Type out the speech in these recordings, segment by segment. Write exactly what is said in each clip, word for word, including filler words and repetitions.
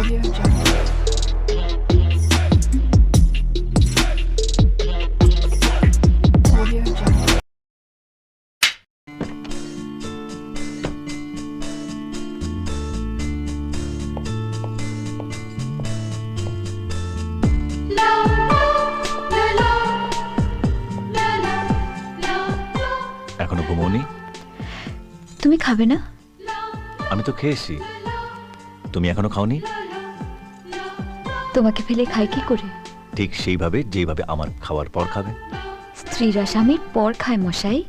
এখনো ঘুমোনি? তুমি খাবে না? আমি তো খেয়েছি, তুমি এখনো খাওনি? তোমাকে ফেলে খাই কি করে? ঠিক সেইভাবে যেভাবে আমার খাওয়ার পর খাবে। স্ত্রীরা স্বামীর পর খায় মশাই।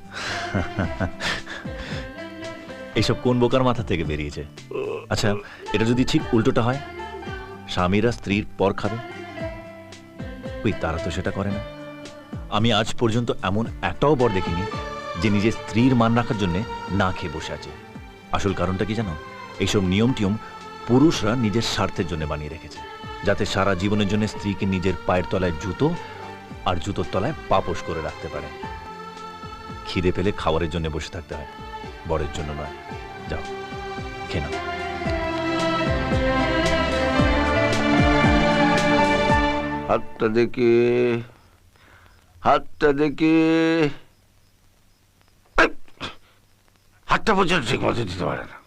এইসব কোন বোকার মাথা থেকে বেরিয়েছে? আচ্ছা, এটা যদি ঠিক উল্টোটা হয়, স্বামীরা স্ত্রীর পর খাবে? ওই তারা তো সেটা করে না। আমি আজ পর্যন্ত এমন একটাও বর দেখিনি যে নিজের স্ত্রীর মান রাখার জন্য না খেয়ে বসে আছে। আসল কারণটা কি জানো? এইসব নিয়ম টিয়ম পুরুষরা নিজের স্বার্থের জন্য বানিয়ে রেখেছে, যাতে সারা জীবনের জন্য স্ত্রীকে নিজের পায়ের তলায় জুতো আর জুতোর তলায় পাপোশ করে রাখতে পারে। খিদে পেলে খাবারের জন্য বসে থাকতে হয়, বরের জন্য নয়। যাও খেয়ে নাও। হাতটা দেখে হাতটা দেখে হাতটা পর্যন্ত ঠিক মতো দিতে পারে না।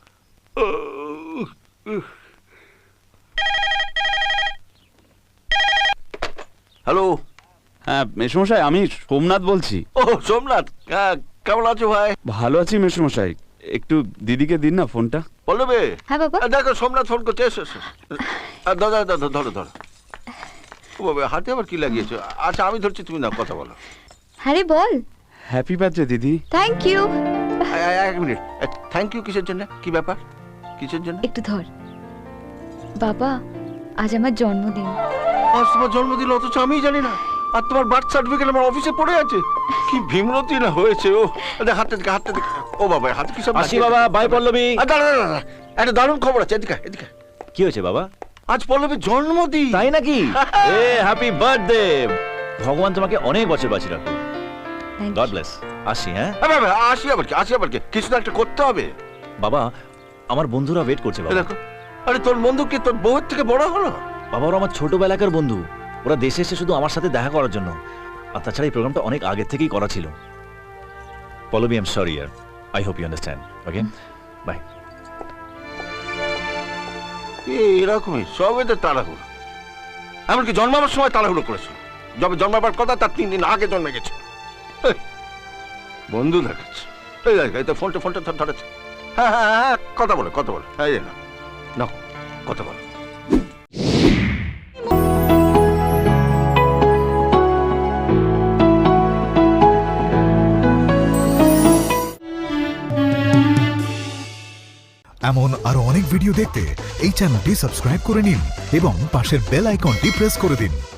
হ্যালো। হ্যাঁ মেসমশাই, আমি সোমনাথ বলছি। ও সোমনাথ, কেমন আছো ভাই? ভালো আছি মেসমশাই, একটু দিদিকে দিন না ফোনটা। বলবে? হ্যাঁ বাবা। দেখো সোমনাথ ফোন করছে, এসো এসো। দাদা দাদা ধরো ধরো। ও বাবা, হাতে আবার কি লাগিয়েছো? আচ্ছা আমি ধরছি, তুমি না কথা বলো। হ্যাঁ রে বল। হ্যাপি বার্থডে দিদি। Thank you. এক মিনিট, থ্যাংক ইউ কিসের জন্য? কি ব্যাপার, কিসের জন্য? একটু ধর বাবা, আজ আমার জন্মদিন। আজ তোমার জন্মদিন, অথচ আমি জানি না। আর তোমার বার্থ সার্টিফিকেট আমার অফিসে পড়ে আছে। কি ভীমরতি না হয়েছে ও। হাতে দিকে হাতে দিকে। ও বাবা, হাতে কি সব? আসি বাবা, বাই পল্লবী। দাঁড়া দাঁড়া দাঁড়া, একটা দারুণ খবর আছে, এদিকে এদিকে। কি হয়েছে বাবা? আজ পল্লবীর জন্মদিন। তাই নাকি? এ হ্যাপি বার্থডে। ভগবান তোমাকে অনেক বছর বাঁচিয়ে রাখুন। God bless. আসি। হ্যাঁ বাবা, আসি আবার কি, আসি আবার কি, কিছু তো একটা করতে হবে। বাবা, আমার বন্ধুরা ওয়েট করছে বাবা। দেখো, আরে তোর বন্ধু কি তোর বউয়ের থেকে বড় হলো? বাবা, ওরা আমার ছোটবেলাকার বন্ধু। ওরা দেশে এসে শুধু আমার সাথে দেখা করার জন্য। আর তাছাড়া এই প্রোগ্রামটা অনেক আগে থেকেই করা ছিল। পল্লবী, আই এম সরি ইয়ার। I hope you understand. Okay, bye. এরকমই সব এদের তাড়াহুড়ো। এমনকি জন্মাবার সময় তাড়াহুড়ো করেছিল। যবে জন্মাবার কথা তার তিন দিন আগে জন্মে গেছে। বন্ধু দেখাচ্ছে। এই দেখ, এই তো ফোনটা ফোনটা ধরেছে। হ্যাঁ হ্যাঁ হ্যাঁ, কথা বলো কথা বলো। হ্যাঁ না না, কথা বলো। এমন আরো অনেক ভিডিও দেখতে এই চ্যানেলটি সাবস্ক্রাইব করে নিন এবং পাশের বেল আইকনটি প্রেস করে দিন।